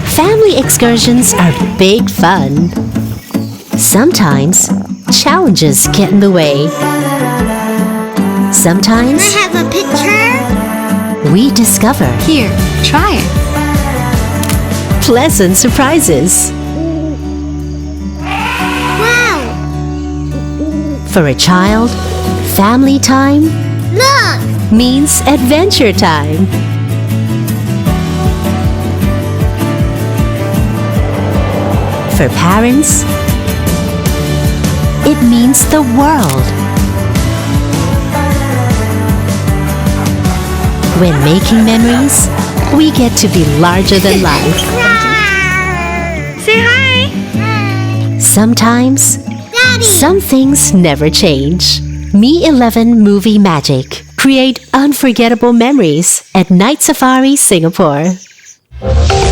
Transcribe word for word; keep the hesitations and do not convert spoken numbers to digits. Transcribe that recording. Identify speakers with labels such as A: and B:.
A: Family excursions are big fun. Sometimes, challenges get in the way. Sometimes,
B: Can I have a picture?
A: we discover
C: Here, try it.
A: pleasant surprises.
B: Wow!
A: For a child, family time
B: Look!
A: means adventure time. For parents, it means the world. When making memories, we get to be larger than life.
C: Say hi.
A: Sometimes,
B: Daddy!
A: some things never change. Mi eleven Movie Magic. Create unforgettable memories at Night Safari Singapore.